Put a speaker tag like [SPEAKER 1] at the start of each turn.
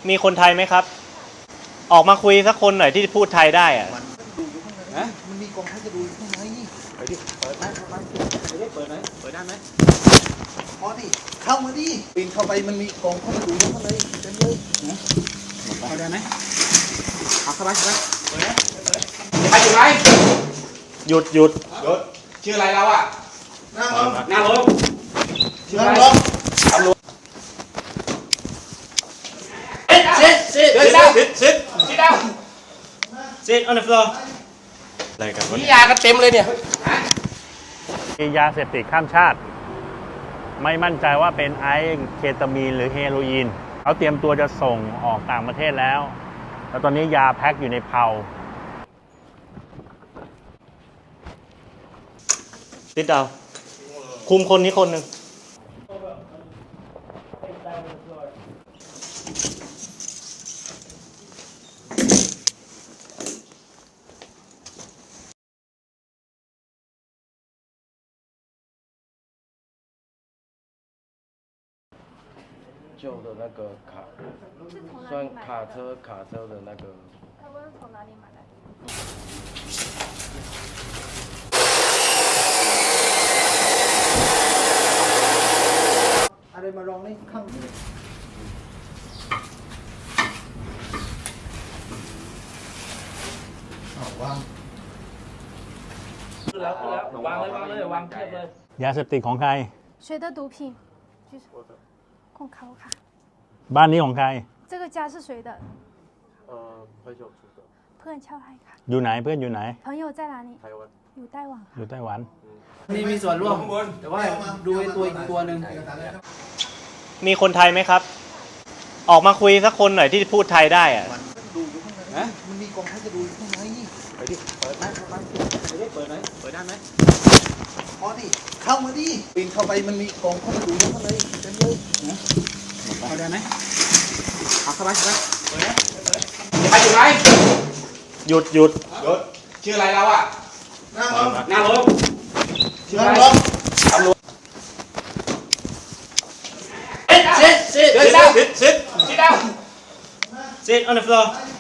[SPEAKER 1] มีคนไทยไหมครับ ออกมาคุยสักคนหน่อยที่พูดไทยได้อะ
[SPEAKER 2] มันมีกองทัพจะดูอยู่ข้างในไปดิเปิดไหมไปดิเปิดไหมเปิดได้ไหมพอดิเข้ามาดิปีนเข้าไปมันมีกองทัพจะดูอยู่ข้างในเต็มเลยเข้าได้ไหมเอาเข้าไปเปิดไหม
[SPEAKER 3] ใครอยู่ไหม
[SPEAKER 1] หยุด
[SPEAKER 3] ชื่ออะไรเราอ่ะนั่งลงชื่ออะไร
[SPEAKER 1] Sit on the floor อะไรกันวะ
[SPEAKER 3] นี่ยากันเต็มเลยเนี่ย
[SPEAKER 4] มียาเสพติดข้ามชาติ ไม่มั่นใจว่าเป็นไอซ์เคตามีนหรือเฮโรอีนเขาเตรียมตัวจะส่งออกต่างประเทศแล้วตอนนี้ยาแพ็คอยู่ในเพา
[SPEAKER 1] ติดดาวคุมคนนี้คนหนึ่ง
[SPEAKER 5] 旧的那个卡，算卡车的那个。
[SPEAKER 6] 他问从哪里买来的？
[SPEAKER 2] อะไรมาลองนี่ข้างวาง
[SPEAKER 3] วางเลยวางเทียบเลย
[SPEAKER 4] ยาเสพติดของใคร
[SPEAKER 6] 谁的毒品？举手。控卡我卡。
[SPEAKER 4] บ้านนี้ของใคร
[SPEAKER 6] 这个家是谁的？
[SPEAKER 5] 朋友住的。
[SPEAKER 6] เพื่อนเช่าให้ค่ะ
[SPEAKER 4] อยู่ไหนเพื่อนอยู่ไหน
[SPEAKER 6] 朋友在哪里？
[SPEAKER 5] 台湾。
[SPEAKER 6] อยู่ไต้หวัน
[SPEAKER 4] อยู่ไต้หวัน
[SPEAKER 2] นี่มีส่วนร่วมแต่ว่าดูไอ้ตัวอีกตัวหนึ่ง
[SPEAKER 1] มีคนไทยไหมครับ ออกมาคุยสักคนหน่อยที่พูดไทยได้อะ
[SPEAKER 2] ดูอยู่ข้างในมันมีกองทัพจะดูอยู่ข้างในไปดิเปิดไหมไปดิเปิดไหมเปิดได้ไหมพอดิเข้ามาดิปีนเข้าไปมันมีกองทัพจะดูอยู่ข้างในเต็มเลยเข้าได้ไหมเอาเข้าไปเปิดไหม
[SPEAKER 3] ใครอยู่ไหม
[SPEAKER 1] หยุด
[SPEAKER 3] ชื่ออะไรเราอ่ะนั่งลงชื่ออะไร
[SPEAKER 1] Sit on the floor